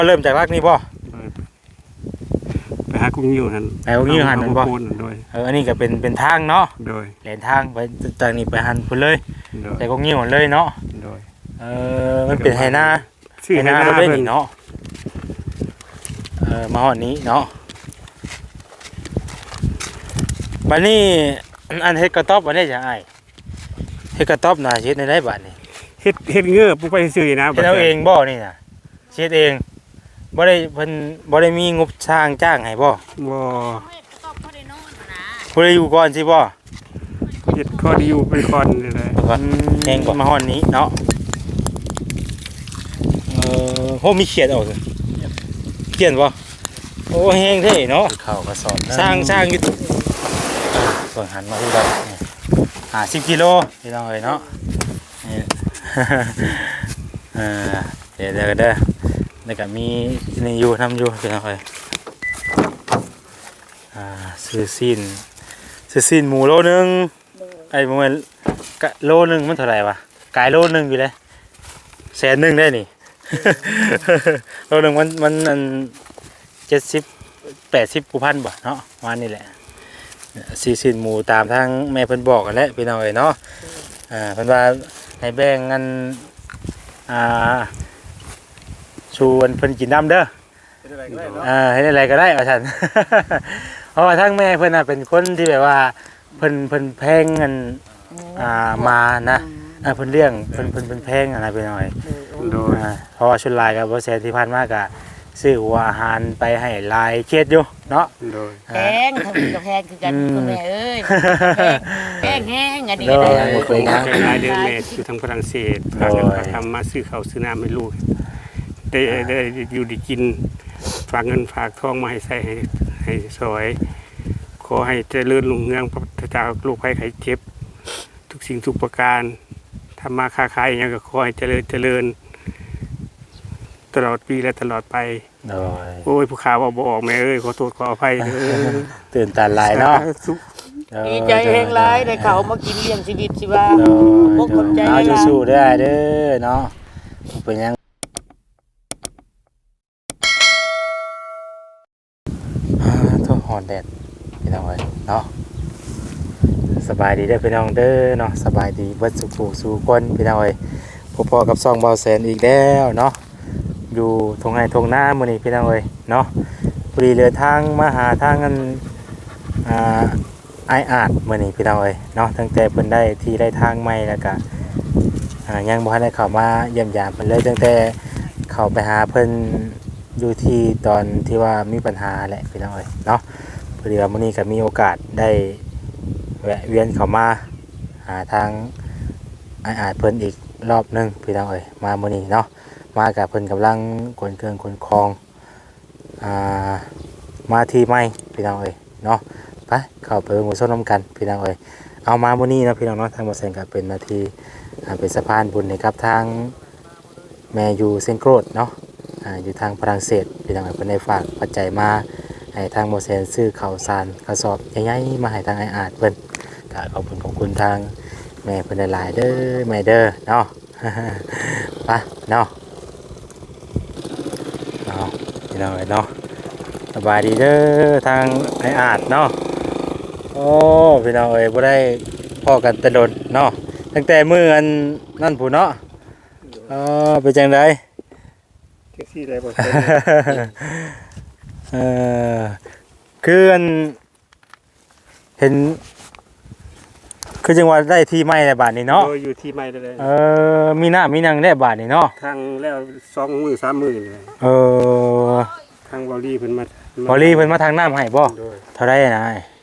เริ่มจากรักนี่บ่ไปหากุ้งยิ้วหั่นไปกุ้งยิ้วหั่นบ่โดยอันนี้ก็เป็นทางเนาะโดยแหลนทางไปจากนี้ไปหั่นพุ่นเลยแต่กุ้งยิ้วเลยเนาะโดยมันเป็นไหนาชื่อไหนาเราได้นี่เนาะมาฮอดนี้เนาะบัดนี้อันเฮ็ดกระต๊อบอันนี้จะอ้ายเฮ็ดกระต๊อบน่ะเฮ็ดได้บัดนี้เฮ็ดเงือปุ๊บไปซื้อนะเฮ็ดเอาเองบ่นี่น่ะเฮ็ดเองบ่ได้เพิ่นบ่ได้มีงบสร้างจ้างให้บ่ผู้ใดอยู่ก่อนสิบ่เฮ็ดข้อดีอยู่เป็นก่อนนี่แหละแห้งก่อนมาฮอดนี้เนาะโหมีเขียดออกสิเขียนบ่โอ้แห้งเท่เนาะเข้ากระสอบสร้างอยู่เบิ่งหันมาดูกัน50กิโลพี่น้องเอ้ยเนาะเดี๋ยวแล้วก็มีนี่อยู่ทำอยู่พี่น้องเอ้ยซื้อซีนหมูโลนึงไอ้ประมาณโลนึงมันเท่าไหร่วะกายโลนึงอยู่เลย100,000ได้นี่ โลนึงมัน70-80 พันบ่เนาะวันนี้แหละซีนหมูตามทางแม่เพิ่นบอกกันแล้วพี่น้องเอ้ยเนาะเพิ่นว่าให้แบ่งกันชวนเพิ่นกินน้ำเด้อให้อะไรก็ได้เอาฉัน เพราะว่าทั้งแม่เพิ่นเป็นคนที่แบบว่าเพิ่นแพงเงินมานะเพิ่นเลี้ยงเพิ่นแพงอะไรไปหน่อยเพราะว่าชุดลายกับบ่แสนที่ผ่านมาก็ซื้อหัวอาหารไปให้ลายเช็ดอยู่เนาะแพงทำกับแพงคือกันคุณแม่เอ้ยแพงแห้งอันนี้ได้รายเดือนแม่อยู่ทางฝรั่งเศสพากันมาทำมาซื้อข้าวซื้อน้ำให้ลูกได้อยู่ได้กินฝากเงินฝากทองมาให้ใส่ให้สวยขอให้เจริญรุ่งเรืองพระพุทธเจ้าลูกไผ่ไข่เจ็บทุกสิ่งทุกประการทำมาค้าขายอย่างก็ขอให้เจริญตลอดปีและตลอดไปโอ้ยผู้ข่าวบอกออกแม่เอ้ยขอโทษขออภัยตื่นตาลายเนาะดีใจแห่งร้ายได้เขามากินเลี้ยงชีวิตชีวาพวกคนใจเอาสู้ๆได้เด้อเนาะเป็นยังทุ่งหอนแดดพี่น้องเอ้ยเนาะสบายดีได้พี่น้องเด้อเนาะสบายดีเบิดสุขสู่คนพี่น้องเอ้ยพอๆกับซ่องเบาแสนอีกแล้วเนาะอยู่ทงไห้ทงหน้ามื้อนี้พี่น้องเอ้ยเนาะพอดีเรือทางมาหาทางกันไออาดมื้อนี้พี่น้องเอ้ยเนาะตั้งแต่เพิ่นได้ที่ได้ทางใหม่แล้วก็ยังบ่ทันได้เข้ามาเยี่ยมยามเพิ่นเลยตั้งแต่เข้าไปหาเพิ่นอยู่ที่ตอนที่ว่ามีปัญหาแหละพี่น้องเอ้ยเนาะพอดีว่ามื้อนี้ก็มีโอกาสได้แวะเวียนเข้ามาหาทางไออาดเพิ่นอีกรอบนึงพี่น้องเอ้ยมามื้อนี้เนาะมากับเพิ่นกำลังขนเครื่องขนของมาที่ใหม่พี่น้องเอ้ยเนาะไปเข้าไปหมู่ส้มน้ำกันพี่น้องเอ้ยเอามามื้อนี้เนาะพี่น้องเนาะทางบ่แซงก็เป็นหน้าที่เป็นสะพานบุญให้กับทางแม่อยู่เซนโกรธเนาะอยู่ทางฝรั่งเศสพี่น้องเอ้ยเพิ่นได้ฝากปัจจัยมาให้ทางบ่แซงซื้อข้าวสารกระสอบใหญ่ๆมาให้ทางไออาดเพิ่นก็ขอบคุณทางแม่เพิ่นหลายๆเด้อแม่เด้อเนาะ ไปเนาะพี่น้องเนาะสบายดีเด้อทางไออาดเนาะโอ้พี่น้องเอ้ยบ่ได้พ้อกันแต่โดนเนาะตั้งแต่มื้ออันนั่นผู้เนาะเป็นจังได๋แท็กซี่ได้บ่คืออันเห็นคือจังหวัดได้ที่ใหม่ในบ้านนี้เนาะอยู่ที่ใหม่เลยมีหน้ามีนังได้บ้านนี้เนาะทางแล้ว2 มื้อ 3 มื้อเลยทางบอลี่เพิ่นมาทางน้ำให้บ่เท่าไรนะ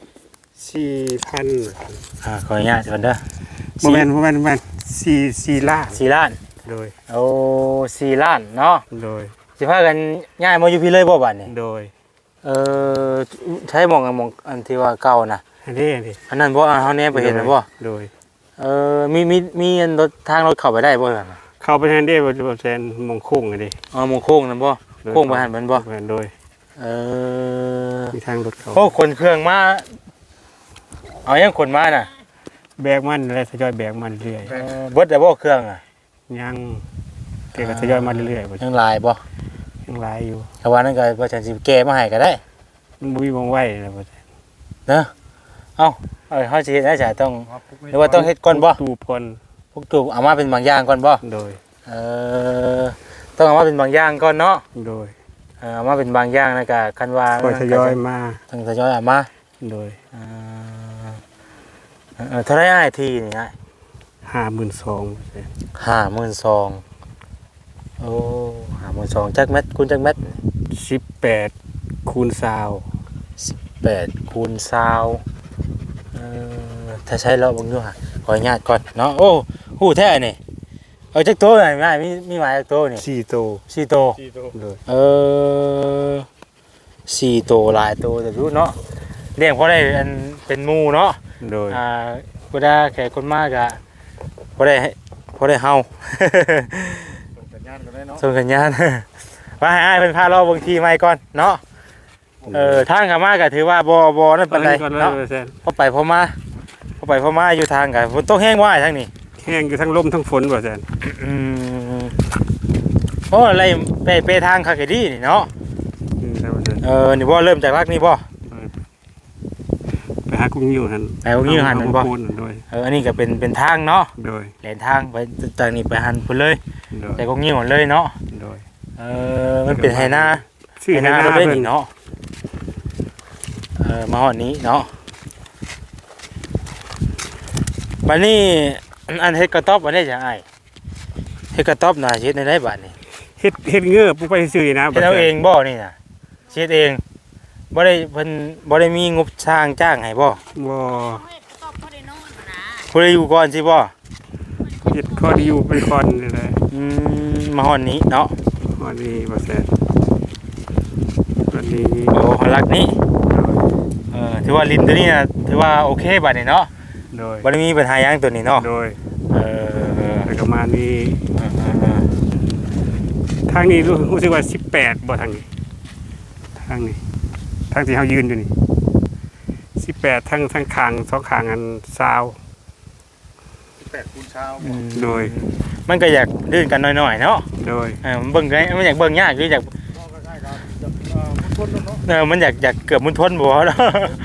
4,000 ขออนุญาตก่อนเด้อบ่แม่น4 ล้าน 4 ล้านโดย 4 ล้านเนาะโดยสิพากันย้ายมาอยู่พี่เลยบ่บัดนี้โดยใช้หม่องอันที่ว่าเก่านะอันนี้อันนั้นบ่เฮาแนมไปเห็นบ่โดยมีอันรถทางรถเข้าไปได้บ่ล่ะเข้าไปแทนได้บ่แทนมงโค้งอันนี้มงโค้งนั่นบ่โค้งบ่หันมันบ่โดยมีทางรถเขาโอ้คนเครื่องมาเอายังคนมาน่ะแบกมันแล้วทยอยแบกมันเรื่อยเบิดได้บ่เครื่องยังเก็บทยอยมาเรื่อยยังลายบ่ยังหลายอยู่แต่ว่านั่นก็บ่ฉันสิแก้มาให้ก็ได้มันบ่มีวงไว้แล้วบ่เนาะเอ้าเฮาสิเฮ็ดได้จ้ะต้องหรือว่าต้องเฮ็ดก่อนบ่ตูบก่อนพวกตูเอามาเป็นบางอย่างก่อนบ่โดยเออต้องเอามาเป็นบางอย่างก่อนเนาะโดยเอามาเป็นบางอย่างแล้วก็คันว่าค่อยทยอยมาต้องทยอยเอามาโดยเท่าไหร่อ้ายทีนี่อ้าย 52,000 52,000โอ้52,000จักเม็ดคูณจักเม็ด 18คูณ20 8คูณ20ถ้าใช้เลาะเบิ่งดูฮะขออนุญาตก่อนเนาะโอ้ฮู้แท้นี่เอาจักโตหน่อยอ้ายมีหมายจักโตนี่ 4โต 4โตโดย 4โตหลายโตแต่รู้เนาะเลี้ยงพอได้อันเป็นหมู่เนาะโดยเวลาแขกคนมากอะพอได้เฮาส่งสัญญาณกันได้เนาะส่งสัญญาณ ว่าให้อ้ายเป็นพารอบบางทีไม่ก่อนเนาะทางขามาก็ถือว่าบ่นั่นปานใดก่อนเลยเนาะเปอร์เซ็นต์พอไปพอมาอยู่ทางก็ฝนตกแห้งว่าทางนี้แห้งอยู่ทั้งลมทั้งฝนเปอร์เซ็นต์โอ้อะไรไปทางคาเกดีนี่เนาะ นี่บ่เริ่มจากรักนี่บ่ไปหากุ้งยิ้วหันไปกุ้งยิ้วหันนั่นบ่พูดโดยอันนี้ก็เป็นทางเนาะโดยแหลนทางไปจากนี้ไปหันพุ่นเลยโดยแต่ก็งิ้วเลยเนาะโดยมันเป็นไหนาชื่อให้หน้าเราได้เพิ่นนี่เนาะมาหอดนี้เนาะบัดนี้อันเฮ็ดกระต๊อบอันนี้จะอ้ายเฮ็ดกระต๊อบน่ะเฮ็ดในได้บัดนี้เฮ็ดเงือบผู้ไปซื้อนะเฮ็ดเอาเองบ่นี่น่ะเฮ็ดเองบ่ได้เพิ่นบ่ได้มีงบสร้างจ้างให้บ่บ่ตอบเขาได้นอนนะผู้ใดอยู่ก่อนสิบ่เฮ็ดข้อดีอยู่เป็นคอนนี่แหละมาหอดนี้เนาะข้อดีเปอร์เซ็นต์วันนี้โอ้หอลักนี้ถือว่าลิ้นตัวนี้น่ะถือว่าโอเคบัดนี้เนาะโดยบ่ได้มีปัญหาหยังตัวนี้เนาะโดยเออแล้วก็มานี่ทางนี้รู้สึกว่า18บ่ทางนี้ทางนี้ทางที่เฮายืนอยู่นี่18ทั้งข้างสองข้างอัน20 8คูณเช้าโดยมันก็อยากลื่นกันหน่อยๆเนาะโดยมันเบิ่งไงมันอยากเบิ่งยากหรืออยากก็ใกล้ๆครับมุนๆเนาะมันอยากเกือบมุนพ้นบ่เนาะ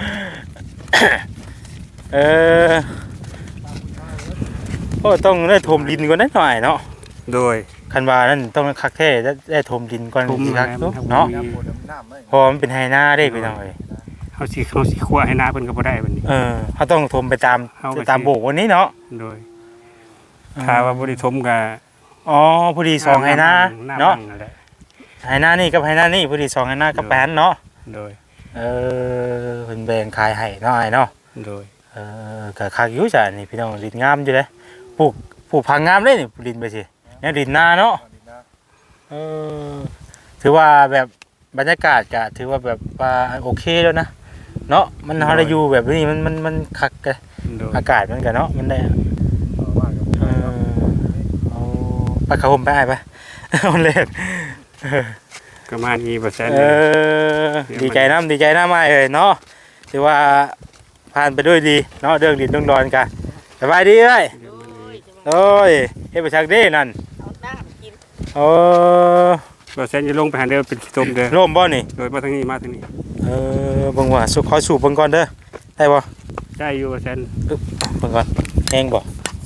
โอ้ต้องได้ถมดินก่อนนิดหน่อยเนาะโดยคันว่านั่นต้องคักแท้ได้ถมดินก่อนถมสิครับแล้วมันเนาะน้ำโพดน้ำเลยเพอมันเป็นไฮนาได้ไปหน่อยเฮาสิคั่วให้หน้าเพิ่นก็บ่ได้บัดนี้เขาต้องถมไปตามเอาไปสิตามโบกวันนี้เนาะโดยถ้าว่าบ่ได้ทมก็อ๋อพอดีสองไฮนาเนาะนั่นแหละไฮนานี่กับไฮนานี่พอดีสองไฮนากับแปนเนาะโดยเป็นแบ่งขายให้เนาะไอ้เนาะโดยก็คักอยู่จ้ะนี่พี่น้องดินงามอยู่เลยปลูกผักงามเลยนี่ดินไปสิเนี่ยดินนาเนาะถือว่าแบบบรรยากาศก็ถือว่าแบบว่าโอเคแล้วนะเนาะมันเฮาได้อยู่แบบนี้มันคักกันโดยอากาศมันก็เนาะมันได้ว่ากันเอาไปเขาผมไปอ้ายไปเอาเล่นประมาณนี้เปอร์เซ็นต์ดีใจน้ำอ้ายเอ้ยเนาะถือว่าผ่านไปด้วยดีเนาะเรื่องดินเรื่องดอนกันสบายดีเอ้ยโอ้ยจะมาโอ้ยเฮ็ดไปชักเด้นั่นเอาน้ำกินโอ้เปอร์เซ็นต์จะลงไปหาเด้อเป็นขี้ต้มเด้อร่มบ่นี่โดยมาทางนี้มาทางนี้เบิ่งว่าขอสูบเบิ่งก่อนเด้อได้บ่ได้อยู่เปอร์เซ็นต์เบิ่งก่อนแห้งบ่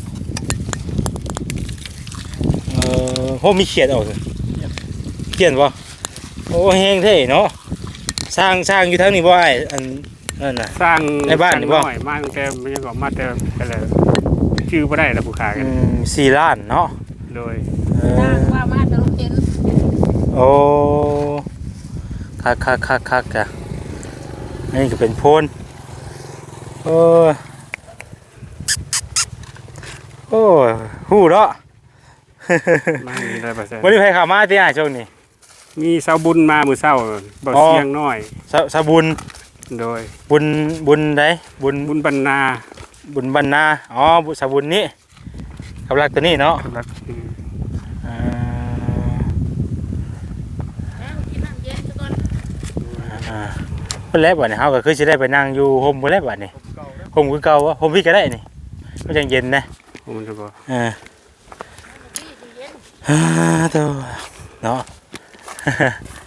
โหมีเขียดออกเลยเขียนบ่โอ้แห้งเท่เนาะสร้างอยู่ทางนี้บ่อ้ายอันนั่นน่ะสร้างในบ้านนี่บ่หน่อยมาตั้งแต่มันยังก็มาแต่อะไรชื่อบ่ได้แล้วผู้ขายกัน 4 ล้านเนาะโดยตั้งว่ามาจะลงเห็นโอ้คักจ้ะอันนี้ก็เป็นโพนโอ้ฮู้เนาะมานี่ได้เปอร์เซ็นต์วันนี้ใครเข้ามาที่ช่วงนี้มีสาวบุญมามื้อเช้าบ่อ๋อเสียงน้อยสะบุญโดยบุญใดบุญบุญบรรณาบุญบรรณาบุญสะบุญนี้กับรักตัวนี้เนาะครับน้ำกินน้ำเย็นซะก่อนเพิ่นแล้วบัดนี้เฮาก็คือสิได้ไปนั่งอยู่โฮมเพิ่นแล้วบัดนี้โฮมคือเก่าวะโฮมพี่ก็ได้นี่มันจังเย็นนะผมจะบอกพี่สิเย็นโตเนาะ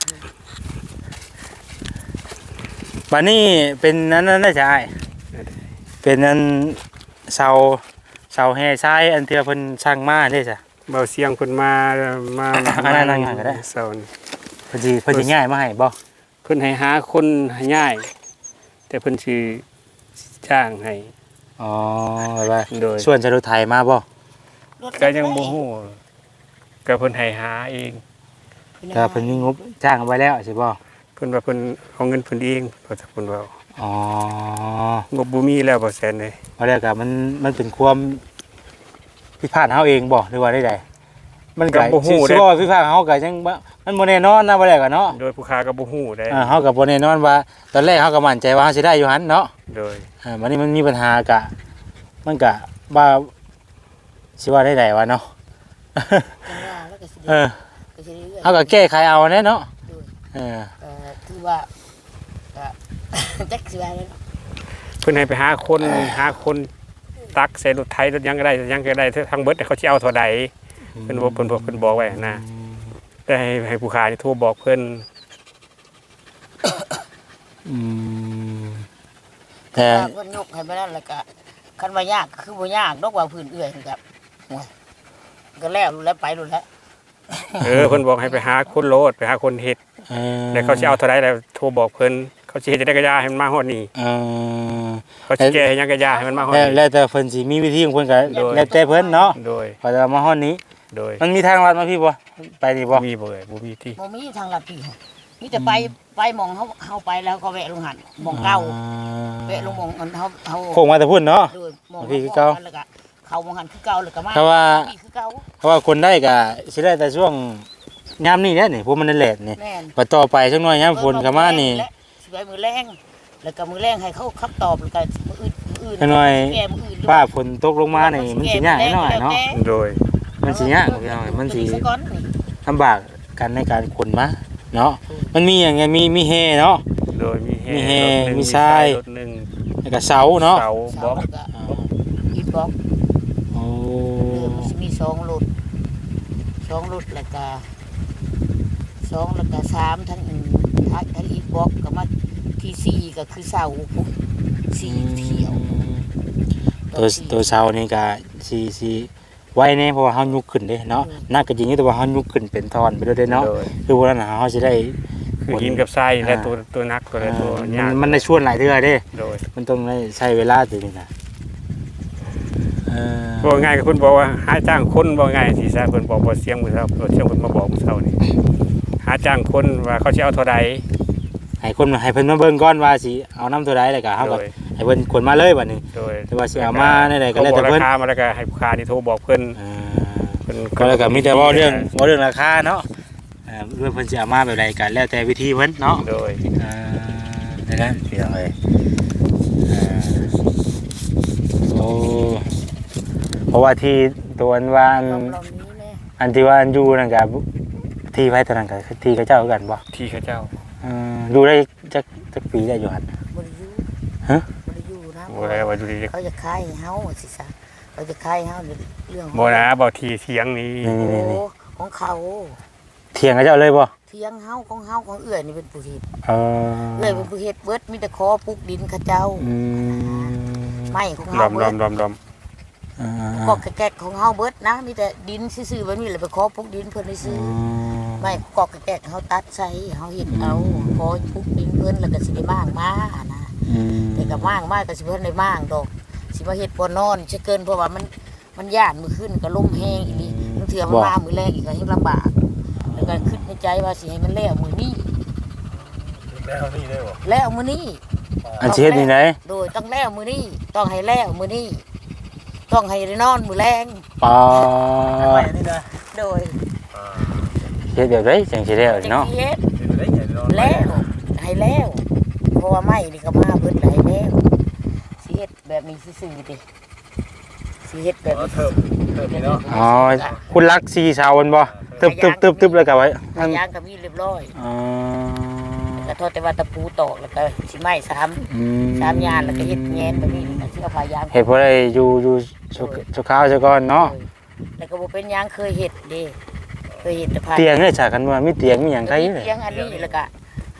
บัดนี้เป็นนั้นน่าจะอ้ายเป็นอันเสาแห่ทรายอันที่ว่าเพิ่นสร้างมาเด้จ้ะเบาเสียงเพิ่นมาอันนั้นง่ายก็ได้เสานี่เพิ่นสิง่ายมาให้บ่เพิ่นให้หาคนให้ง่าย แต่เพิ่นสิจ้างให้อ๋อว่าโดยส่วนจรถไทยมาบ่ก็ยังบ่ฮู้ก็เพิ่นให้หาเองก็เพิ่นมีงบจ้างเอาไว้แล้วใช่บ่เพิ่นว่าเพิ่นเอาเงินเพิ่นเองเพราะเพิ่นว่าอ๋องบบ่มีแล้วบ่แสนเลยเอาแล้วก็มันเป็นความผิดพลาดเฮาเองบ่หรือว่าได้ๆมันก็สิว่าผิดพลาดเฮาก็ยังบ่มันบ่แน่นอนนะบ่ได้ก็เนาะโดยผู้ค้าก็บ่ฮู้ได้เฮาก็บ่แน่นอนว่าตอนแรกเฮาก็มั่นใจว่าเฮาสิได้อยู่หั่นเนาะโดยวันนี้มันมีปัญหากะมันกะว่าสิว่าได้ๆวะเนาะแล้วก็สิเออก็สิได้เรื่อยเอาก็แก้ไขเอาแน่เนาะเออคือว่าก็จักสิว่าแล้วเพิ่นให้ไปหาคนตักใส่รถไถรถหยังก็ได้ทั้งเบิดเขาสิเอาเท่าใดเพิ่นบอกไว้นะแต่ให้ผู้ค้านี่โทรบอกเพิ่นอืมแต่แต่เพิ่นยกให้ไปนั่นแล้วก็คันว่ายากก็คือบ่ยากดอกว่าพื้นเอื้อยนี่ครับโอ้ยก็แล้วรู้แล้วไปรู้แล้วเพิ่นบอกให้ไปหาคนโลดไปหาคนเฮ็ดแล้วเขาสิเอาเท่าใดแล้วโทรบอกเพิ่นเขาสิเฮ็ดจังได๋ก็ย่าให้มันมาฮอดนี่ เขาสิแก้ให้หยังก็ย่าให้มันมาฮอดนี่แล้วแต่เพิ่นสิมีวิธีของเพิ่นก็แล้วแต่เพิ่นเนาะโดยพอจะมาฮอดนี้โดยมันมีทางลัดมาพี่บ่ไปนี่บ่มีบ่เอ่ยบ่มีที่บ่มีทางลัดพี่มีแต่ไปหมองเฮาไปแล้วก็แวะลงหันหมองเก่าแวะลงหมองมันเฮาโค้งมาแต่พุ่นเนาะโดยหมองพี่คือเก่าแล้วก็เข้าหมองหันคือเก่าแล้วก็มาเพราะว่าพี่คือเก่าเพราะว่าคนได้ก็สิได้แต่ช่วงยามนี้แหละนี่พวกมันนั่นแหละนี่แม่นพอต่อไปสักหน่อยยามฝนก็มานี่สิไปมือแรงแล้วก็มือแรงให้เขาคับตอบแล้วก็มืออื่นจักหน่อยแก้มืออื่นฟ้าฝนตกลงมานี่มันสิยากหน่อยเนาะโดยมันสิยากพี่น้องมันสิซะก่อนนี่ลำบากกันในการขนมาเนาะมันมีอย่างไงมีเฮเนาะโดยมีมีแฮแฮรถหนึ่งมีทรายรถหนึงแล้วก็เสาเนาะเสาบล็อกแล้วก็อีบล็อกโอ้มันสิมี2รถ2รถแล้วก็2แล้วก็3ทั้งทั้งอีบล็อกก็มาที่4ก็คือเสาพุ่น4เที่ยวตัวเสานี่ก็สิไว้แน่เพราะว่าเฮายุกขึ้นเด้เนาะนักก็จริงอยู่แต่ว่าเฮายุกขึ้นเป็นท่อนไปด้วยเด้เนาะโดยคือว่านั้นน่ะเฮาสิได้คือหินกับทรายและตัวนักตัวอะไรตัวยากมันได้ชวนหลายเทื่อเด้โดยมันต้องได้ใช้เวลาตัวนี้นะบอกง่ายกับคุณบอกว่าหาจ้างคนบอกง่ายสิซะเพิ่นบอกบ่เสียงมื้อเช้าเสียงเพิ่นมาบอกมื้อเช้านี่หาจ้างคนว่าเขาสิเอาเท่าใดให้เพิ่นมาเบิ่งก่อนว่าสิเอาน้ำตัวใดแล้วก็เฮาก็โดยให้เพิ่นขนมาเลยบัดนี้โดยแต่ว่าสิเอามาได้ก็แล้วแต่ขาบอกเพิ่นราคามาแล้วก็ให้ผู้ค้านี่โทรบอกเพิ่น เพิ่นก็แล้วก็มีแต่เว้าเรื่องราคาเนาะเรื่องเพิ่นสิเอามาแบบใดก็แล้วแต่วิธีเพิ่นเนาะโดยได้แล้วพี่น้องเอ้ยโอ้เพราะว่าที่ตัวอันว่ารอบนี้แน่อันที่ว่าอันอยู่นั่นก็ที่ไว้ตอนนั้นก็ที่เขาเจ้าคือกันบ่ที่เขาเจ้าดูได้จักปีได้อยู่หั่นบ่ได้อยู่ฮะบ่ได้อยู่นะบ่ได้ว่าดูดีเขาจะขายให้เฮาสิซะเขาจะขายให้เฮาเรื่องบ่นะบ่ที่เถียงนี้โอ้ของเขาเถียงกับเจ้าเลยบ่เทียงเฮาของเอื้อยนี่เป็นผู้เฮ็ดเออเอื้อยเป็นผู้เฮ็ดเบิดมีแต่ขอปลูกดินเขาเจ้าอืมไม้ของดเฮาอมเบิด ก็แกะของเฮาเบิดนะมีแต่ดินซื่อๆแบบนี้แหละไปขอปลูกดินเพิ่นได้ซื้อไม่กอกแกะเฮาตัดใส่เฮาเฮ็ดเอาขอปลูกดินเพิ่นแล้วก็สิได้มางมานะแต่ก็มางมาก็สิเพิ่นได้มางดอกสิมาเฮ็ดบ่นอนจะเกินเพราะว่ามันย่านมื้อขึ้นก็ลมแห้งอีหลีบางเทื่อมันมามื้อแรกอีกก็เฮ็ดลำบากแล้วก็คิดในใจว่าสิให้มันแล้วมื้อนี้แล้วนี่ได้บ่แล้วมื้อนี้อันสิเฮ็ดนี่ไหนโดยต้องแล้วมื้อนี้ต้องให้แล้วมื้อนี้ต้องให้ได้นอนมื้อแรงปอนี่นะโดยเฮ็ดแบบไดจังสิได้เนาะจังสิเฮ็ดได้ใหญ่นอนแล้วให้แล้วเพราะว่าไม้นี่ก็มาเพิ่นให้แล้วสิเฮ็ดแบบนี้ซื่อๆติสิเฮ็ดแบบนี้เทิมนี่เนาะอ๋อคุณรัก4เสามันบ่ตึบๆๆแล้วก็ไว้ทางยางก็มีเรียบร้อยอ๋อแล้วก็ทอดแต่ว่าตะปูตอกแล้วก็สิไม้3ยานแล้วก็เฮ็ดแงนแบบนี้แล้วก็สิเอาผ้ายางเฮ็ดบ่ได้อยู่สุขาวซะก่อนเนาะแล้วก็บ่เป็นหยังเคยเฮ็ดเด้เคยเฮ็ดแต่ผ้าเตียงเนี่ยฉากกันว่ามีเตียงมีหยังไผก็มีเลยเตียงอันนี้แล้วก็เฮ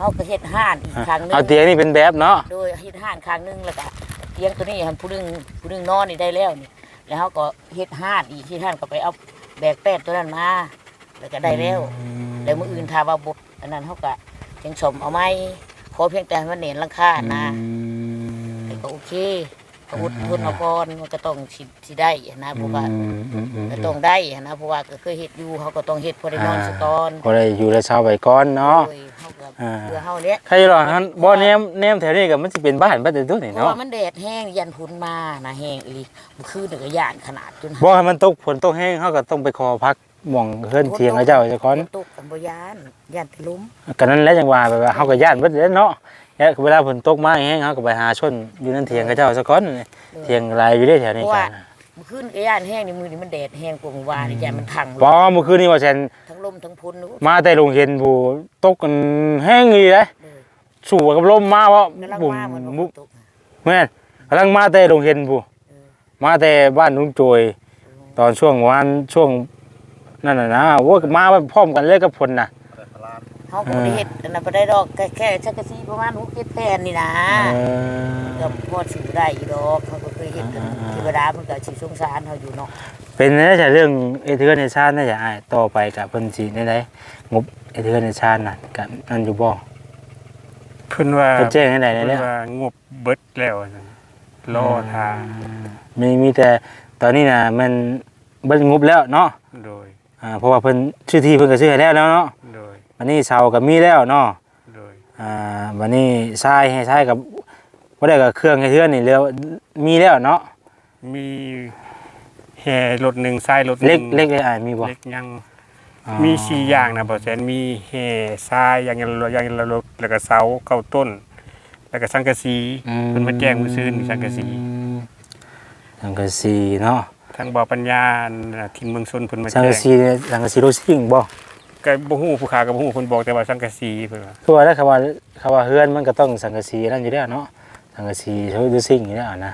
เฮาก็เฮ็ดห้านอีกครั้งหนึงเอาเตียงนี่เป็นแบบเนาะโดยเฮ็ดห้านครั้งหนึงแล้วก็เตียงตัวนี้หันผู้หนึงนอนนี่ได้แล้วนี่แล้วเฮาก็เฮ็ดห้านอีกที่ห้านก็ไปเอาแบกแป้นตัวนั้นมาแล้วก็ได้แล้วแล้วมื้ออื่นถ้าว่าบ่อันนั้นเฮาก็ยังสมเอาไม้ขอเพียงแต่ให้มันเน้นหลังคานะก็โอเคก็อดทนเอาก่อนมันก็ต้องสิได้นะเพราะว่าก็ต้องได้นะเพราะว่าก็เคยเฮ็ดอยู่เฮาก็ต้องเฮ็ดพอได้นอนซะก่อนพอได้อยู่ได้เช้าไว้ก่อนเนาะโดยเฮาก็เพื่อเฮาเนี้ยใครหรอฮันบ่แนมแถวนี้ก็มันสิเป็นบ้านแต่ตัวนี่เพราะเนาะว่ามันแดดแห้งยันพุ่นมานะแห้งอีหลีมันคือเดือย่านขนาดจนบ่ให้มันตกฝนตกแห้งเฮาก็ต้องไปขอพักหม่องเฮือนเทียงเขาเจ้าเจ้าก่อนตกกันบ่ย่านไปล้มก็นั่นแหละจังว่าแบบว่าเฮาก็ย่านเบิดเด้เนาะแล้วเวลาฝนตกมาแห้งเฮาก็ไปหาชนอยู่นั่นเทียงเขาเจ้าซะก่อนเทียงหลายอยู่เด้แถวนี้กันมันขึ้นก็ย่านแห้งนี่มือนี่มันแดดแห้งกว่าเมื่อวานนี่ย่านมันทังลบ่มเมื่อคืนนี้ว่าแซนทั้งลมทั้งพุ่นนู้มาแต่โรงเรียนผู้ตกกันแห้งอีเด้เลยสู้กับลมมาว่ากำลังบุ่มมาเหมือนว่าบุฝนตกแม่นกำลังมาแต่โรงเรียนผู้มาแต่บ้านลุงโจยตอนช่วงวันช่วงนั่นน่ะนะว่ามาพร้อมกันเลยกับฝนน่ะเฮาก็บ่ได้เฮ็ดอันนั้นบ่ได้ดอกแค่ชักกะซีประมาณ6-7แผ่นนี่นะก็พอสิได้อยู่ดอกเขาก็เคยเฮ็ดกันเทวดามันก็สิสงสารเฮาอยู่เนาะเป็นน่าจะเรื่องเอเธอร์เนชั่นน่าจะต่อไปกับเพิ่นสิได้งบเอเธอร์เนชั่นน่ะกับนั่นอยู่บ่เพิ่นว่าเพิ่นแจ้งให้ได้เพิ่นแล้วว่างบเบิดแล้วนะรอทางมีแต่ตอนนี้น่ะมันเบิดงบแล้วเนาะโดยเพราะว่าเพิ่นชื่อที่เพิ่นก็ซื้อให้แล้วเนาะโดยวันนี้เสาก็มีแล้วเนาะโดยวันนี้ทรายให้ทรายกับบ่ได้กับเครื่องให้เทือนนี่แล้วมีแล้วเนาะมีแห่รถหนึ่งทรายรถหเล็นึ่กงเล็กเลยมีบ่เล็กยังมี4อย่างนะบ่แสนมีแห่ทรายอย่างละรถแล้วก็เสาเก้าต้น แล้วก็สังกะสีเพิ่นมาแจ้งมื้อซื่นสังกะสีสังกะสีเนาะทางบ่อปัญญาทินเมืองชนเพิ่นมาสังแจ้กะงสีเนี่ยสังกะสีโรซิ่งบ่ก็บ่ฮู้ผู้ค้าก็บ่ฮู้เพิ่นบอกแต่ว่าสังกะสีเพิ่นว่าคือว่าแล้วคำว่าเฮือนมันก็ต้องสังกะสีนั่นอยู่แล้วเนาะสังกะสีโรซิ่งอยู่แล้วนะ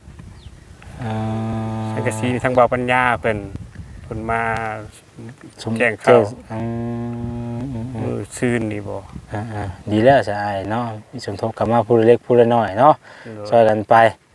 สังกะสีทางบ่อปัญญาเพิ่นมา แจ้งเข้าเข้า มื้อซื่นนี่บ่ดีแล้วสะอายเนาะมีสมทบกับมาผู้เล็กผู้น้อยเนาะช่วยกันไป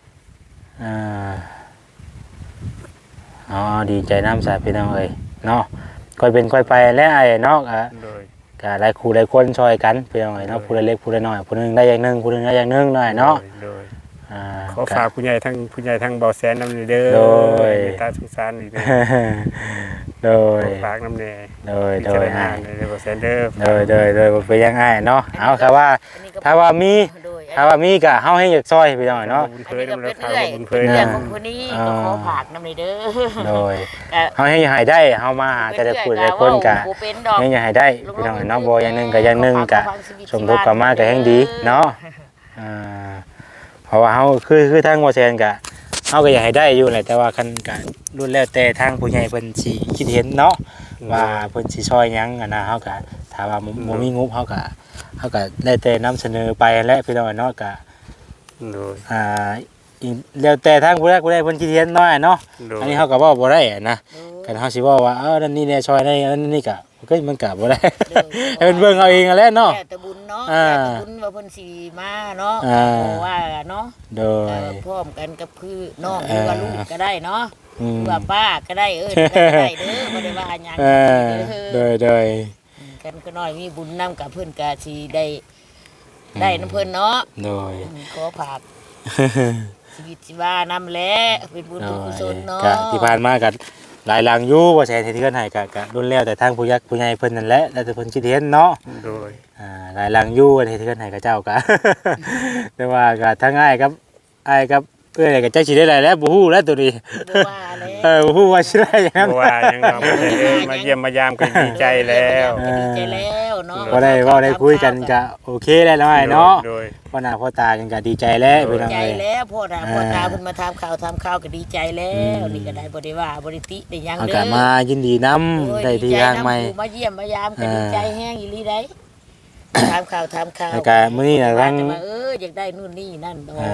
อ๋อดีใจน้ำสายพี่น้องเอ้ยเนาะค่อยเป็นค่อยไปแล้วไอ้เนาะโดยก็หลายคู่หลายคนช่วยกันพี่น้องเอ้ยเนาะผู้เล็กผู้น้อยผู้หนึงได้อย่างหนึงผู้หนึงได้อย่างหนึงหน่อยเนาะโดยขอฝากผู้ใหญ่ทั้งเบาแสนนำเด้อโดยเมตตาสงสารอีกเด้อโดยขอฝากนำแน่โดยพิจารณาในเบาแสนเด้อโดยบ่เป็นยังไงเนาะเอาครับว่าอันนี้ก็ถ้าว่ามีโดยถ้าว่ามีก็เฮาให้อยากซอยพี่น้องเนาะบุญอัเผนยนี้ก็นำเป็ราน คาเรื่อยบุญเผเป็นยเรื่อยนำของคนนี้ก็ขอฝากนำเลยเด้อโดยก็เฮาให้ให้ได้เฮามาหาแต่ละผู้แต่ละคนก็บ่เป็นดอกยังอยากให้ได้พี่น้องเนาะบ่อย่างหนึงก็อย่างหนึงก็สมทบกันมาก็แฮงดีเนาะเพราะว่าเฮาคือทางบ่แซนก็เฮาก็อยากให้ได้อยู่แหละแต่ว่าคันก็รุ่นแล้วแต่ทางผู้ใหญ่เพิ่นสิคิดเห็นเนาะว่าเพิ่นสิช่วยหยังนะเฮาก็ถ้าว่าบ่มีงบเฮาก็ได้แต่นำเสนอไปแหละพี่น้องเนาะก็โดยอีกแล้วแต่ทางผู้ใดเพิ่นคิดเห็นน้อยเนาะโดยอันนี้เฮาก็เว้าบ่ได้นะกันเฮาสิเว้าว่านั่นนี่แน่ช่วยได้อันนี้ก็มันก็บ่ได้ ให้เพิ่นเบิ่งเอาเองนั่นแหละเนาะแต่บุญเนาะแต่บุญว่าเพิ่นสิมาเนาะเพราะว่าเนาะโดยพร้อมกันกับคือน้องหรือว่าลูกก็ได้เนาะอืมหรือว่าป้าก็ได้ก็ได้เด้อบ่ได้ว่าหยังโดยกันก็น้อยมีบุญนํกับเพิ่นก็สิได้นำเพิ่นเนาะโดยขอฝากชีวิตชีวานำแหละเป็นบุญเป็นกุศลเนาะก็ที่ผ่านมาก็หลายหลังอยู่บ่ใช่ที่เพิ่นให้ก็รุ่นแล้วแต่ทางผู้ยักษ์ผู้ใหญ่เพิ่นนั่นแหละแล้วแต่เพิ่นคิดเห็นเนาะโดยหลายหลังอยู่ที่เพิ่นให้กับเจ้าก็ แต่ว่าก็ทั้งอ้ายกับเอ้ยก็จักสิได้หลายแล้วบ่ฮู้แล้วตัวนี้บ่ว่าแล้วบ่ฮู้ว่าสิได้หยังเพราะว่ายังเรามาเยี่ยมมายามก็ดีใจแล้วดีใจแล้วเนาะบ่ได้เว้าได้คุยกันก็โอเคแล้วน้อยเนาะโดยพ่อหน้าพ่อตากันก็ดีใจแล้วพี่น้องใจเอ้ยแล้วพ่อตาเพิ่นมาทำข่าวก็ดีใจแล้วนี่ก็ได้บ่ได้ว่าบ่ได้ติได้หยังเอาเด้ก็อมายินดีนำได้ที่ทางใหม่มาเยี่ยมมายามก็ดีใจแฮงอีหลีได้ทำข่าวแล้วก็มื้อนี้น่ะทั้งอยากได้นู่นนี่นั่นดอก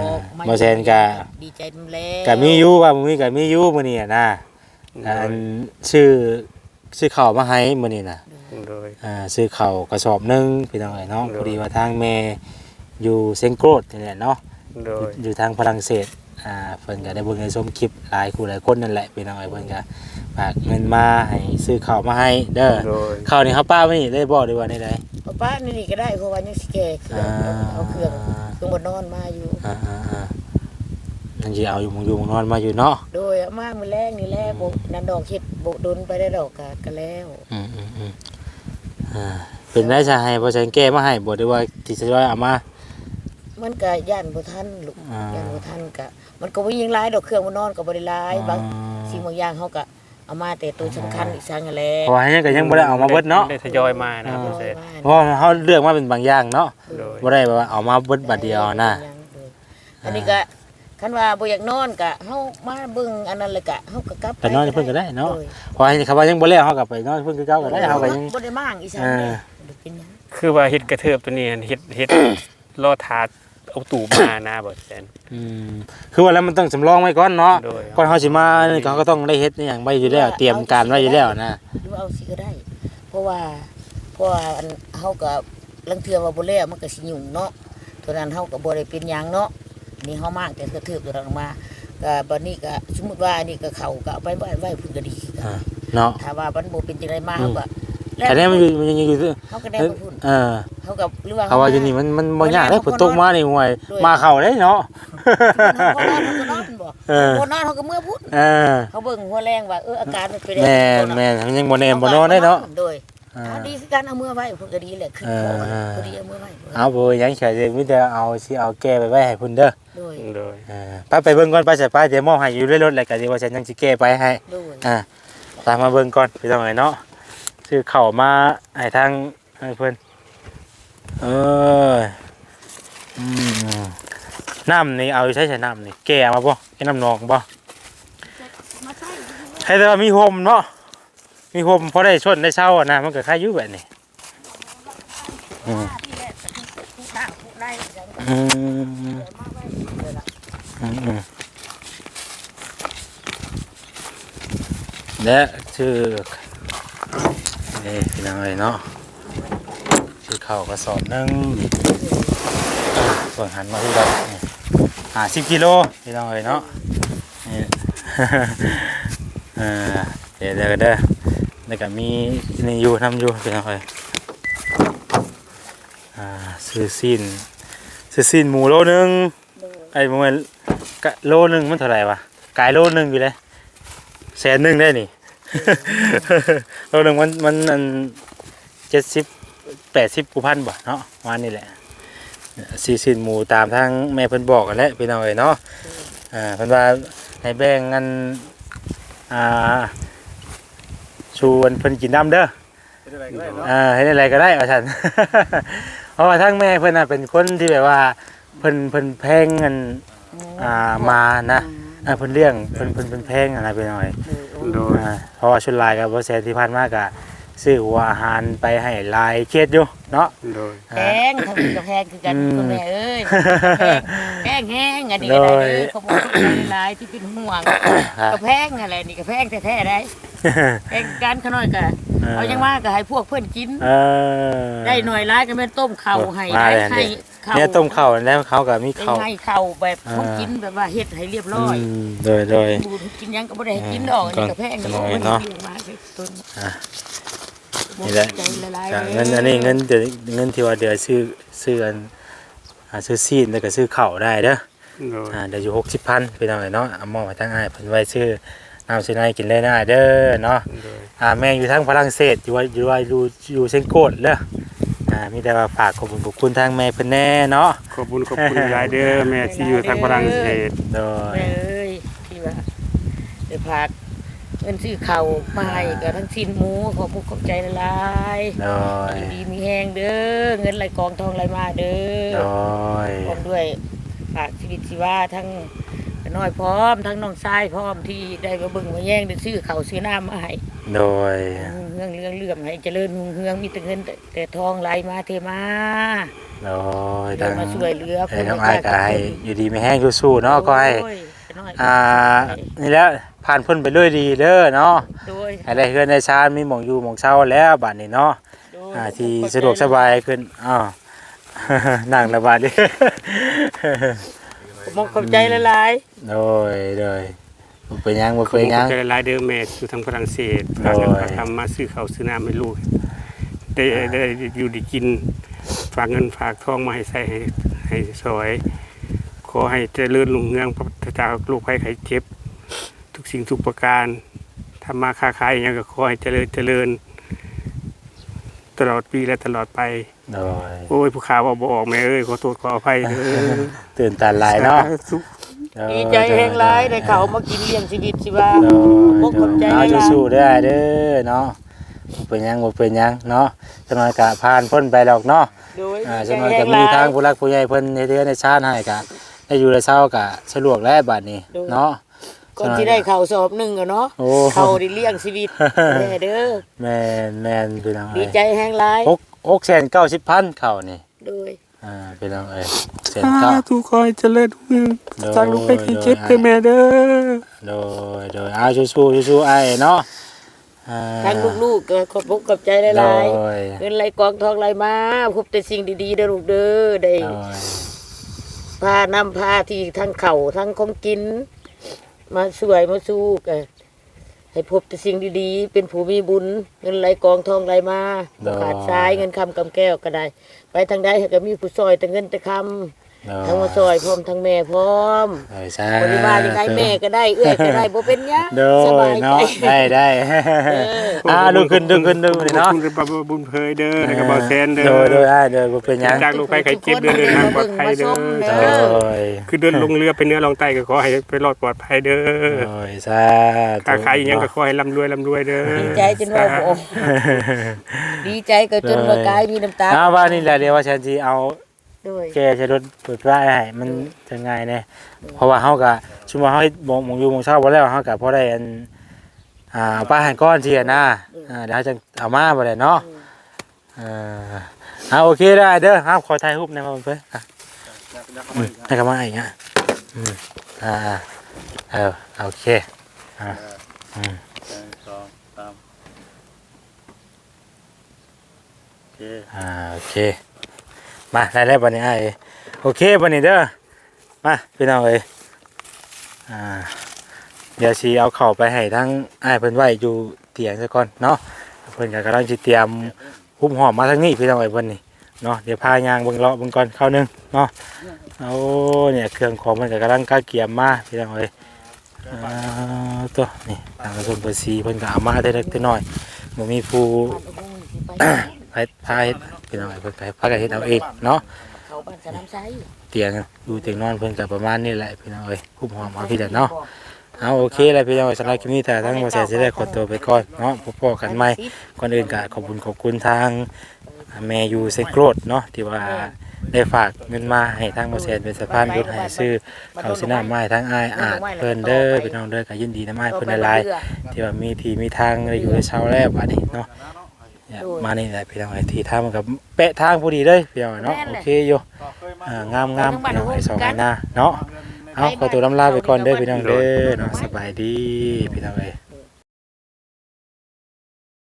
บ่แซนก็ดีใจนำแล้วก็มีอยู่ว่ามื้อนี้ก็มีอยู่มื้อนี้นะอันชื่อข้าวมาให้มื้อนี้น่ะโดยโดยซื้อข้าวกระสอบหนึงพี่น้องเอ้ยเนาะพอดีว่าทางแม่อยู่เซงโกรดนี่แหละเนาะโดยอยู่ทางฝรั่งเศสเพิ่นก็ได้เบิ่งในชมคลิปหลายคู่หลายคนนั่นแหละพี่น้องเอ้ยเพิ่นก็ฝากเงินมาให้ซื้อข้าวมาให้เด้อโดยข้าวนี่เฮาป้าไว้นี่ได้บ่ได้ว่าได้ใดเอาป้านี่ก็ได้เพราะว่ายังสิแก่เครื่องเอาเครื่องบ่นอนมาอยู่นั่นสิเอาอยู่มงนอนมาอยู่เนาะโดยเอามามื้อแรกนี่แหละบ่นั่นดอกเฮ็ดบ่ดนไปได้ดอกก็แล้วเป็นได้จะให้บ่ใช่แก้มาให้บ่ได้ว่าที่จะว่าเอามามันก็ย่านบ่ทันลูกย่านบ่ทันก็มันก็บ่ยิงหลายดอกเครื่องบ่นอนก็บ่ได้หลายบางสิ่งบางอย่างเฮาก็เอามาแต่ตัวสำคัญอีกสั่งนั่นแหละเพราะว่ายังก็ยังบ่ได้เอามาเบิดเนาะได้ทยอยมานะเพิ่นเสร็จเพราะว่าเฮาเลือกมาเป็นบางอย่างเนาะโดยบ่ได้ว่าเอามาเบิดบัดเดียวนะอันนี้ก็คันว่าบ่อยากนอนก็เฮามาเบิ่งอันนั้นเลยก็เฮาก็กลับไปนอนเพิ่นก็ได้เนาะเพราะว่าเขาว่ายังบ่แล้วเฮาก็ไปนอนเพิ่นคือเก่าก็ได้เฮาก็ยังบ่ได้มางอีสานเด้บ่เป็นหยังคือว่าเฮ็ดกระเทิบตัวนี้เฮ็ด ล่อถาดเอาตู่มานะบ่แซนคือว่าแล้วมันต้องสำรองไว้ก่อนเนาะโดยก่อนเฮาสิมานี่เขาก็ต้องได้เฮ็ดอหยังไว้อยู่แล้วเตรียมการไว้อยู่แล้วนะหรือว่าเอาสิก็ได้ เพราะว่าอันเฮาก็ลังเทื่อว่าบ่แล้วมันก็สิยุ่งเนาะตัวนั้นเฮาก็บ่ได้เป็นหยังเนาะนี่เฮามากแต่กระเทิบตัวนั้นออกมาก็บัดนี้ก็สมมุติว่าอันนี้ก็เข้าก็เอาไปไว้เพิ่นก็ดีคือกันเนาะถ้าว่ามันบ่เป็นจังไดมาเฮาก็แต่เนี่ยมันยังอยู่เฮาก็ได้บ่พูด เฮาก็หรือว่าเขาว่าอยู่นี่มันบ่ยากเด้ฝนตกมานี่ห่วยมาเข้าได้เนาะบ่นอนเฮาก็เมื่อพูดเขาเบิ่งหัวแรงว่าอาการมันเป็นแม่นยังบ่แน่บ่นอนได้เนาะโดยดีคือการเอามือไว้เพิ่นก็ดีแหละขึ้นคอพอดีเอามือไว้เอาบ่ยังแค่มีแต่เอาสิเอาแก้ไปไว้ให้เพิ่นเด้อโดยโดยไปเบิ่งก่อนไปใส่ไปเดี๋ยวมอบให้อยู่ในรถแล้วก็สิว่าฉันยังสิแก้ไปให้โดยตามมาเบิ่งก่อนพี่น้องเอ้ยเนาะซื้อข้าวมาให้ทางให้เพิ่นน้ำนี่เอาใช้น้ำนี่แก้มาบ่แก้น้ำนองบ่มาใส่ให้แต่ว่ามีห่มเนาะมีห่มพอได้ชนได้เช้านะมันก็คล้ายอยู่แบบนี้ที่แรกผู้ตั้งผู้ได้จังก็อืมมาไว้เลยล่ะและชื่อนี่พี่น้องเอ้ยเนาะชื่อข้าวกระสอบหนึงส่วนหันมาที่เรา10 กิโลพี่น้องเอ้ยเนาะนี่ เดี๋ยวแล้วก็มีนี่อยู่ทำอยู่พี่น้องเอ้ยซื้อซีนหมูโลนึงไอ้หมูมันกะโลนึงมันเท่าไหร่วะกายโลนึงอยู่เลย100,000ได้นี่ โลนึงมันอัน70-80 กุพันบ่เนาะวันนี้แหละซีนหมูตามทางแม่เพิ่นบอกกันแหละพี่น้องเอ้ยเนาะเพิ่นว่าให้แบ่งกันชวนเพิ่นกินน้ำเด้อให้อะไรก็ได้ว่าซั่น เพราะว่าทางแม่เพิ่นน่ะเป็นคนที่แบบว่าเพิ่นแพงเงินมานะเพิ่นเลี้ยงเพิ่นแพงอะไรไปหน่อยโดยเพราะว่าชุดลายกับบ่แซ่ที่ผ่านมาก็ซื้อหัวอาหารไปให้ลายเขตอยู่เนาะโดยแพงทำกับแพงคือกันคุณแม่เอ้ยแพงแห้งอันนี้ก็ได้เขาบอกหลายที่เป็นห่วงก็แพงอะไรนี่ก็แพงแท้ๆได้แพงกันขน้อยก็เอายังว่าก็ให้พวกเพื่อนกินได้หน่อยร้ายก็เป็นต้มข้าวให้ให้ข้าวเนี่ยต้มข้าวแล้วเขาก็มีข้าวให้ข้าวแบบเขากินแบบว่าเฮ็ดให้เรียบร้อยโดยบูดกินยังก็บ่ได้ให้กินดอกนี่ก็แพงเนาะมาต้นนี่แหละเงินอันนี้เงินที่ว่าเดือซื้ออันซื้อซีนแล้วก็ซื้อข้าวได้เด้อโดยเดี๋ยวอยู่60,000พี่น้องเนาะเอามอบให้ทางอ้ายเพิ่นไว้ซื้อน้ำซื้อในกินเลยนะเด้อเนาะโดยแม่อยู่ทางฝรั่งเศสอยู่เซนโกดเด้อมีแต่ว่าฝากขอบคุณทางแม่เพิ่นแน่เนาะขอบคุณยายเด้อแม่ที่อยู่ทางฝรั่งเศสโดยแม่เอ้ยที่ว่าได้พากเงินซื้อข้าวมาให้กับทั้งสิ้นหมูขอขอบใจหลายโดยดีมีแห้งเด้อเงินไหลกองทองไหลมาเด้โดอย พร้อมด้วยฝากชีวิตชีวาทั้งน้อยพร้อมทั้งน้องชายพร้อมที่ได้มาเบิ่งมาแย่งได้ซื้อข้าวซื้อน้ำมาให้โดยเรื่องให้เจริญรุ่งเรืองมีแต่เงินแต่ทองไหลมาเทมาโดยเดี๋ยวมาช่วยเหลือให้น้องอ้ายก็ให้อยู่ดีไม่แห้งสู้ๆเนาะก็ให้น้อยนี่แหล้วผ่านพ้นไปด้วยดีเด้อเนาะโดยให้ได้เฮือนได้ชานมีหม่องอยู่หม่องเช่าแล้วบัดนี้เนาะโดยที่สะดวกสบายขึ้นอ้าว นั่งระบาดดิมองขอบใจหลายโดยบ่เป็นหยังบ่ขอบเป็นหยังใจหลายเด้อแม่อยู่ทางฝรั่งเศสพาเงินพาทำมาซื้อข้าวซื้อน้ำให้ลูกได้อยู่ได้กินฝากเงินฝากทองมาให้ใส่ให้สวยขอให้เจริญรุ่งเรืองพระเจ้าลูกภัยไข้เจ็บทุกสิ่งทุกประการทำมาค้าขายอย่างก็ขอให้เจริญตลอดปีและตลอดไปโดยโอ้ยผู้ข่าวบ่ออกแม่เอ้ยขอโทษขออภัยเด้อตื่นตาหลายเนาะๆดีใจแห่งหลายได้เขามากินเลี้ยงชีวิตสิว่าโดบ่ขอบใจเอาหลายสู้ๆได้เด้อเนาะบ่เป็นหยังเนาะจังน้อยก็ผ่านพ้นไปดอกเนาะโดยจังน้อยก็มีทางผู้รักผู้ใหญ่เพิ่นเฮ็ดเรือนในชาติให้ก็ได้อยู่ได้เช้าก็สะดวกแล้วบัดนี้เนาะก่อนที่ได้เขาสอบหนึงอะเนาะโอ้เขาได้เลี้ยงชีวิตแม่เด้อแม่นพี่น้องดีใจแห่งหลาย 690,000เข้านี่โดยพี่น้องเอ้ยทุกคนเจริญรุ่งเรืองโดยจากลูกภัยไข้เจ็บเด้อแม่เด้อโดยเอาสู้ๆไอ้เนาะทั้งลูกๆก็ขอบคุณขอบใจหลายโดยๆเงินไหลกองทองไหลมาพบแต่สิ่งดีๆเด้อลูกเด้อได้โดยพานำพาที่ทั้งเข่าทั้งของกิน มาสวยมาสู้กันให้พบแต่สิ่งดีๆ เป็นผู้มีบุญ เงินไหลกองทองไหลมาบ่ขาดสายเงินคำกำแก้วก็ได้ ไปทางใดก็มีผู้ซอยแต่เงินแต่คำทั้งมาซอยพร้อมทั้งแม่พร้อมโดยสาบริวารยังไงแม่ก็ได้เอื้อยก็ได้บ่เป็นหยังโดสยบายใจเนาะได้ดูขึ้นนี่เนาะขอบคุณพระบุญเพยเด้อให้กับบ่แซนเด้อโดยบ่เป็นหยังจากลูกภัยไข้เจ็บเดินทางปลอดภัยเด้อโดยคือเดินลงเรือไปเนื้อลงใต้ก็ขอให้ไปรอดปลอดภัยเด้อโดยสาธุค้าขายอีหยังก็ขอให้ร่ำรวยเด้อดีใจจนว่าบ่ออกดีใจก็จนว่ากายมีน้ำตาว่านี่แหละเดี๋ยวว่าฉันสิเอาด้วยแกใช้รถเปิดไฟให้มันจะง่ายแน่เพราะว่าเฮาก็ชุมว่าเฮาหมองอยู่หมองเช้าบ่แล้วเฮาก็พอได้อันป้าหันก้อนสินะเดี๋ยวจะเอามาบ่ได้เนาะโอเคได้เด้อครับขอถ่ายรูปหน่อยมาเพิ่นให้กลับมาอีกอ่ะโอเค 2 3โอเคโอเคมาได้บัดนี้โอเคบัดนี้เด้อมาพี่น้องเอ้ยเดี๋ยวสิเอาเข้าไปให้ทั้งเพิ่นไว้อยู่เตียงซะก่อนเนาะเพิ่นก็กำลังสิเตรียมหุ้มหอมมาทางนี้พี่น้องเอ้ยเพิ่นนี่เนาะเดี๋ยวพายางเบิ่งเลาะเบิ่งก่อนเข้านึงเนาะเอาเนี่ยเครื่องของมันก็กำลังกาเกียมมาพี่น้องเอ้ยตัวนี่ทางกระทรวงภาษีเพิ่นก็เอามาได้เล็กได้น้อยบ่มีผู้ พายพี่น้องเพิ่นก็พากันเฮ็ดเอาเองเนาะเขาบ้านสนามไซเตียงดูเตียงนอนเพิ่นก็ประมาณนี้แหละพี่น้องเอ้ยหุ้มหอมเอาพี่เด้อเนาะเอาโอเคแล้วพี่น้องสำหรับคลิปนี้แต่ทั้งบ่แซ่สิได้ขอตัวไปก่อนเนาะพบกันใหม่ก่อนอื่นก็ขอบคุณทางแม่อยู่เซโกรดเนาะที่ว่าได้ฝากเงินมาให้ทางบ่แซ่เป็นสะพานบุญให้ซื้อข้าวซื้อน้ำมาให้ทางอ้ายอาจเพิ่นเด้อพี่น้องเด้อก็ยินดีนำอ้ายเพิ่นหลายๆที่ว่ามีที่มีทางได้อยู่ได้เช่าแล้วบัดนี้เนาะมานี่แหละพี่น้องไอ้ที่ทางมันก็เป๊ะทางพอดีเลยพี่น้องเนาะโอเคอยู่งามพี่น้องไอ้สองไอ้หน้าเนาะเอาขอตัวลำลาไปก่อนเด้อพี่น้องเด้อเนาะสบายดีพี่น้องเอ้ย